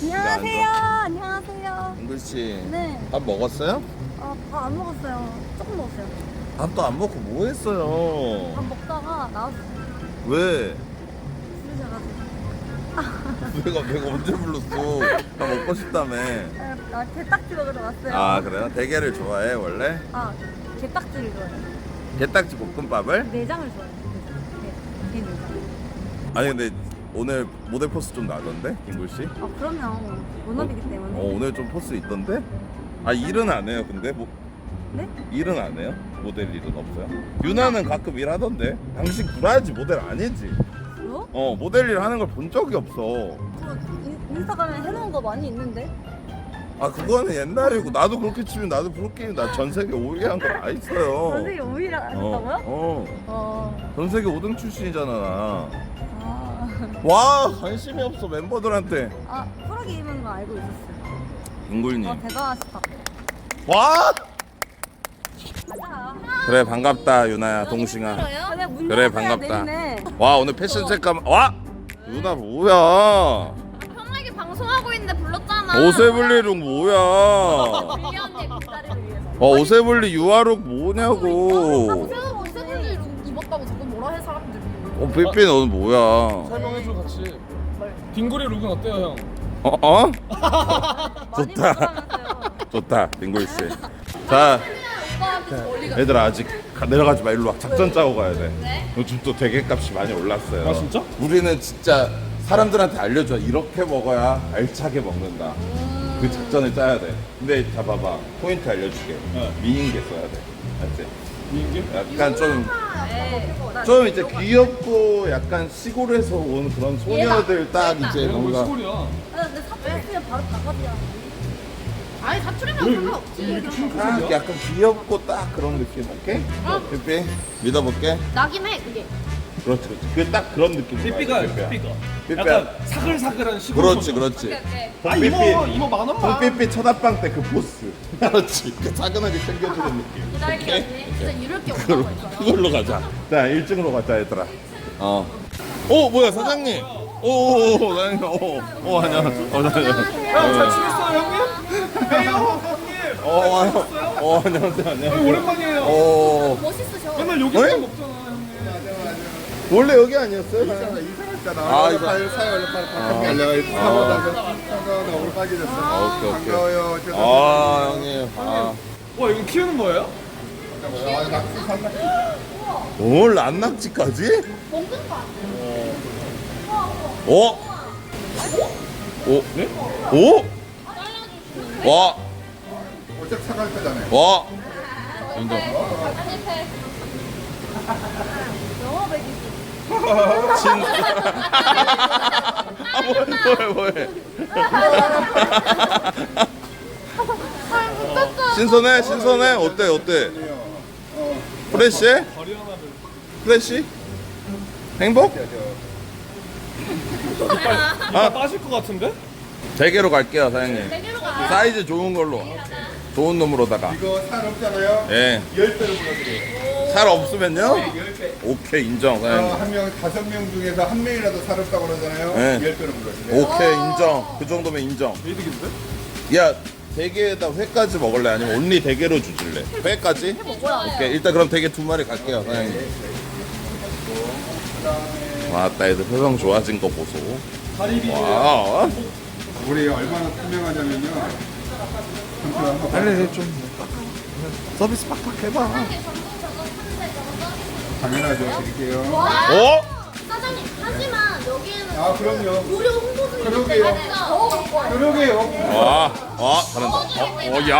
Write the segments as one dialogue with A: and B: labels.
A: 안녕하세요. 안녕하세요.
B: 잉글씨.
A: 네.
B: 밥 먹었어요?
A: 밥 안 먹었어요. 조금 먹었어요.
B: 밥도 안 먹고 뭐 했어요?
A: 밥 먹다가 나왔어요.
B: 왜?
A: 부르셔가지고.
B: 내가 언제 불렀어? 밥 먹고 싶다며.
A: 나 게딱지 먹으러 왔어요.
B: 아 그래요? 대게를 좋아해 원래?
A: 게딱지를 좋아해요.
B: 게딱지 볶음밥을?
A: 내장을 좋아해요. 게 내장.
B: 아니 근데 오늘 모델 포스 좀 나던데? 잉글씨?
A: 그럼요. 워너비기 때문에.
B: 오늘 좀 포스 있던데? 일은 안 해요 근데?
A: 네?
B: 일은 안 해요? 모델 일은 없어요? 유나는 가끔 일하던데? 당신 구라야지 모델 아니지?
A: 뭐?
B: 모델 일 하는 걸 본 적이 없어.
A: 저 인스타그램에 해놓은 거 많이 있는데?
B: 그거는 옛날이고 나도 그렇게 치면 나도 프로게임 나 전세계 5위 한 거 다 있어요.
A: 전세계 5위를 하셨다고요?
B: 전세계 5등 출신이잖아 나.
A: 아.
B: 와 관심이 없어 멤버들한테.
A: 프로게임인 거 알고 있었어요.
B: 잉굴님.
A: 대단하시다.
B: 와!
A: 가자.
B: 그래 반갑다 유나야 동싱아. 그래 반갑다. 와 오늘 패션 체크 와! 유나 뭐야?
C: 편하게 방송하고 있는데 불렀잖아.
B: 오세블리룩 뭐야?
C: 밀리 언니 뒷다리를 위해서.
B: 오세블리 유아룩 뭐냐고.
C: 오세블리 입었다고 자꾸 뭐라 해 사람들이.
B: 삐삐 너는 뭐야?
D: 설명해줘 같이. 빙고리 룩은 어때요 형?
B: 좋다. 좋다 빙고이 씨. 자 얘들아 아직 내려가지 마 일로 와. 작전 짜고 가야 돼. 요즘 또 대게값이 많이 올랐어요.
D: 아, 진짜?
B: 우리는 진짜 사람들한테 알려줘. 이렇게 먹어야 알차게 먹는다. 그 작전을 짜야 돼. 근데 봐봐 포인트 알려줄게. 미인계 써야 돼. 알지?
D: 미인계?
B: 약간 좀 이제 귀엽고 약간 시골에서 온 그런 소녀들 딱 이제
D: 내가 왜
B: 뭔가
D: 시골이야?
A: 근데 사투리면 바로 나가지야.
C: 아니 사투리면 상관없지.
B: 딱 약간 귀엽고 딱 그런 느낌. 오케이? 삐삐 믿어볼게.
C: 나긴 해 그게.
B: 그렇지 그렇지. 그게 딱 그런 느낌.
D: 삐삐가 약간 사글사글한 시골.
B: 그렇지.
D: 이모 만 원만.
B: 홍삐삐 첫합방 때 그 보스. 그렇지. 그 차근하게 챙겨주는 느낌.
C: 기다리기 언니. 진짜 이럴 게 없다고 했잖아.
B: 그걸로 가자. 자 1층으로 가자 얘들아. 뭐야 사장님. 오 사장님. 안녕.
D: 형잘 지냈어요 형님? 빼요 형님.
B: 안녕하세요.
D: 오랜만이에요.
C: 멋있으셔.
D: 맨날 여기서 먹잖아 형님.
B: 원래 여기 아니었어요?
E: 이사했잖아. 사회 원래 팔 내가 이렇게 사보다가 오늘 빠지됐어
B: 오케이.
E: 반가워요.
B: 형님.
D: 와 이거 키우는 거예요?
E: 낙지 산낙.
B: 뭘 안낙지까지?
C: 먹는 거 아니야?
D: 네?
B: 와!
E: 어차피 사갈 거잖아요.
B: 와! 인정. 뭐해. 신선해? 어때? 프레쉬해? 프레쉬? 행복?
D: 빠질 것 같은데?
B: 대게로 갈게요, 사장님.
C: 대게로 가.
B: 사이즈 좋은 걸로. 좋은 놈으로다가.
E: 이거 살 없잖아요.
B: 예.
E: 10배로 불러드려요.
B: 살 없으면요?
E: 10배.
B: 오케이, 인정, 사장님.
E: 한 명, 5명 중에서 한 명이라도 살 없다고 그러잖아요.
B: 네.
E: 10배로 불러드려요.
B: 오케이, 인정. 그 정도면 인정.
D: 이득인데?
B: 야, 대게에다 회까지 먹을래? 아니면 온리 대게로 주실래? 회까지? 오케이, 일단 그럼 대게 2마리 갈게요, 사장님. 왔다, 애들 표정 좋아진 거 보소.
D: 다리비.
B: 와,
E: 우리 얼마나 투명하냐면요.
B: 빨리 좀 서비스 빡빡 해봐.
E: 당연하죠. 드릴게요.
C: 사장님 하지만 여기에는
E: 그럼요.
C: 무료 홍보도
E: 그러게요.
C: 있어요.
E: 그러게요.
B: 잘한다.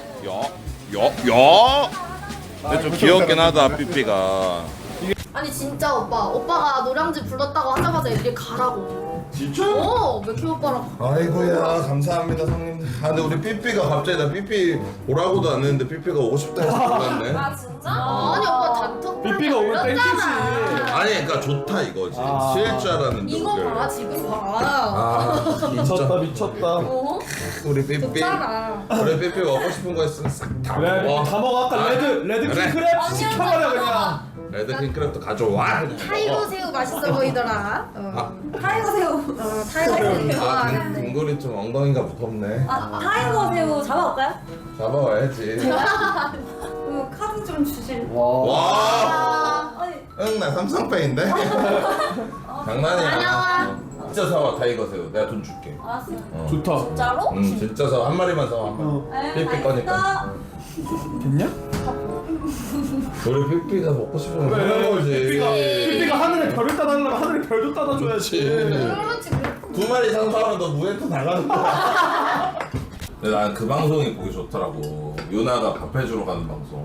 B: 야. 근데 좀 귀엽긴 하다, 삐삐가.
C: 아니 진짜 오빠가 노량진 불렀다고 하자마자 이렇게 가라고.
B: 진짜?
C: 맥키 오빠랑.
B: 아이고야, 감사합니다, 형님. 근데 우리 삐삐가 갑자기 나 삐삐 오라고도 안 했는데 삐삐가 오고 싶다 해서 불렀네.
C: 진짜? 아니 오빠 단톡.
D: 삐삐가 오면 땡큐지.
B: 아니, 그러니까 좋다 이거지. 쉴 줄 알았는데.
C: 이거
B: 오늘.
C: 봐 지금 봐.
D: 미쳤다.
B: 우리 삐삐.
C: 좋잖아.
B: 우리 삐삐 먹고 싶은 거 있으면 싹다
D: 그래
B: 먹어.
D: 다 먹어. 아까 레드
B: 그래.
D: 킹크랩 시켜버려 그냥.
B: 레드 킹크랩도 가져와.
C: 타이거 새우 맛있어 보이더라. 타이거 새우.
A: 타이거 새우.
B: 아, 빙고리 좀 엉덩이가 무섭네.
A: 타이거 새우 잡아올까요?
B: 잡아와야지.
A: 그 카드 좀 주실.
B: 와.
A: 아니
B: 응, 나 삼성페인데? 장난이야. 진짜 사와, 타이거 새우. 내가 돈 줄게.
A: 알았어요.
D: 좋다.
A: 진짜로?
B: 응, 진짜 사와. 한 마리만 사와, 한 마리. 삐삐 거니까.
D: 됐냐?
B: 우리 삐삐가 먹고 싶으면
D: 그래.
B: 하는 거지.
D: 삐삐가 하늘에 별을 따달라면 하늘에 별도 따다줘야지.
C: 그렇지.
B: 두 마리 상사하면 너 무에토 나가는 거야. 근데 난 그 방송이 보기 좋더라고. 유나가 밥 해주러 가는 방송.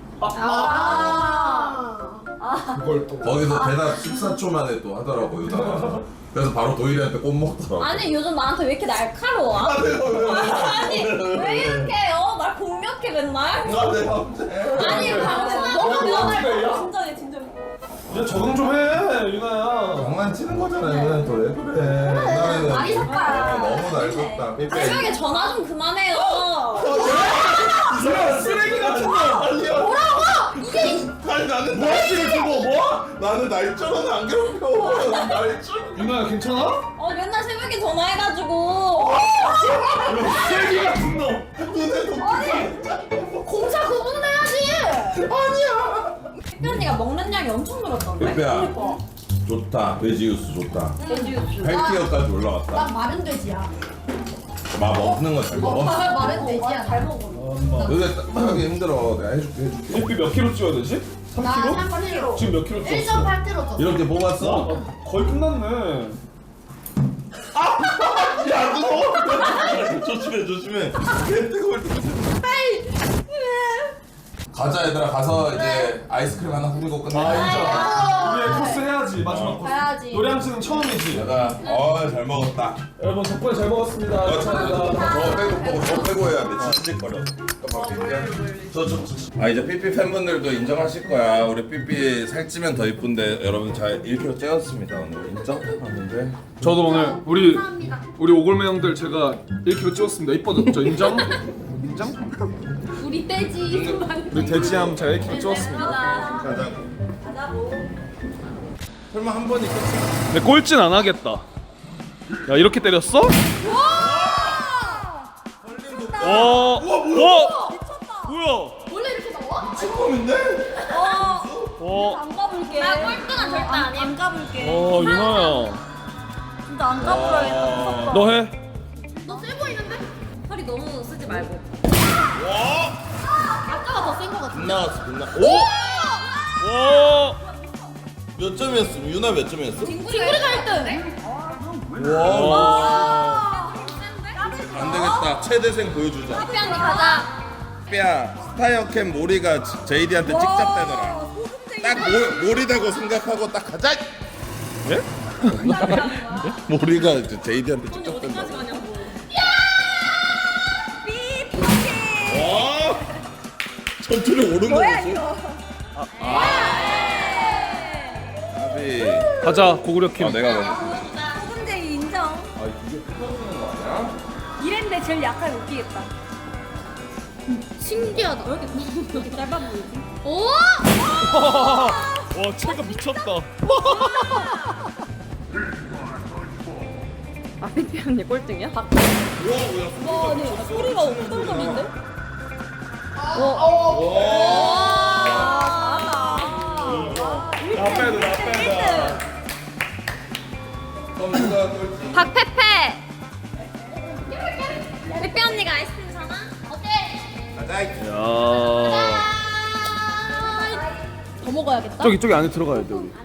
D: 그걸 또.
B: 거기서 대답 14초 만에 또 하더라고, 유나가. 그래서 바로 도일이한테 꼭 먹더라고.
A: 아니 요즘 나한테 왜 이렇게 날카로워? 아니 왜 이렇게 날 공략해 맨날?
B: 내가 언제?
A: 아니 방송 너무 면할 진정해 진정해.
D: 이제 적응 좀 해, 유나야.
B: 장난치는 거잖아, 유나는 또 왜 그래. 유나는
A: 많이 삭발아.
B: 너무 날렵다. 삐삐.
A: 새벽에 전화 좀 그만해요.
D: 유나 쓰레기 같은 거.
B: 아니 나는
D: 뭐하시를 두고 뭐?
B: 나는 날짜는 안 괴롭혀. 날짜.
D: 유나야 괜찮아?
A: 맨날 새벽에 전화해가지고
D: 쓰레기 같은 놈.
C: 공사 구분은 해야지.
A: 삐삐 언니가 먹는 양이 엄청 늘었던데?
B: 삐삐야.
A: 그러니까.
B: 좋다. 돼지 육수 좋다.
A: 돼지육수.
B: 8티어까지 올라갔다.
C: 난 마른 돼지야.
B: 막 먹는 거 잘 먹어.
C: 마른 돼지야.
A: 잘 먹어.
B: 요새 딱하기 힘들어. 내가 해줄게.
D: 삐삐 몇 킬로 찌워야 되지? 3킬로?
C: 나 3kg.
D: 지금 몇 킬로 찌웠어?
C: 1.8kg 쪘어.
B: 이렇게 뽑았어?
D: 아, 거의 끝났네.
B: 야, 뜨거워. 조심해. 개 뜨거울 때. 가자 얘들아. 가서 이제 아이스크림 하나 후리고 끝내.
D: 우리 코스 해야지 마지막 코스.
C: 가야지.
D: 노량진은 처음이지.
B: 내가 잘 먹었다.
D: 여러분 덕분에 잘 먹었습니다. 감사합니다.
B: 저 빼고 해야 돼. 지직거려. 아 이제 삐삐 팬분들도 인정하실 거야. 우리 삐삐 살찌면 더 이쁜데 여러분 잘 1kg 찌었습니다 오늘. 인정하는데.
D: 저도 오늘 우리 오골매 형들 제가 1kg 찌웠습니다. 이뻐졌죠? 인정? 인정?
C: 우리 돼지.
D: 우리 돼지함 제가 1kg 찌웠습니다.
B: 가자고. 설마 한 번이 끝이야?
D: 근데 꼴찌는 안 하겠다. 야 이렇게 때렸어? 와, 뭐야?
C: 원래 이렇게 나와?
B: 찌꺼인데?
A: 안 가볼게.
C: 나 꼴등은 절대 아니야.
A: 안 가볼게.
D: 유나야,
A: 진짜 안 가보라겠다. 무섭다.
D: 너 해?
C: 너 세 보이는데?
A: 허리 너무 쓰지 말고.
C: 아까가 더 센 거 같아.
B: 빗나갔어 빗나. 오?
D: 와,
B: 몇 점이었어? 유나 몇 점이었어?
C: 빙구리가 1등.
B: 와. 안 되겠다. 최대생 보여주자.
C: 삐삐 언니 가자.
B: 삐야 스타이어캠 모리가 제이디한테 찍잡대더라. 딱 모리다고 생각하고 딱 가자.
D: 예?
B: 모리가 이제 제이디한테 찍잡댄다. 와. 전투를 오른 거였어. 아비.
D: 가자 고구려킴.
B: 내가 먼저.
A: 소금쟁이 인정.
B: 이게 뜯어지는 거 아니야?
A: 이랬는데 제일 약하게 웃기겠다.
C: 신기하다.
A: 이렇게 짧아 보이지?
C: 오!
D: 와 체가 미쳤다.
A: 삐삐 언니 꼴등이야? 와, 아니 소리가 엉떨거리는데?
D: 나 빼다.
B: 그럼 누가 꼴찌?
C: 박페페. 삐삐 언니가 아이스크림 사나? 어때?
B: 가자.
D: 야,
A: 더 먹어야겠다.
D: 저기 안에 들어가야 돼 우리.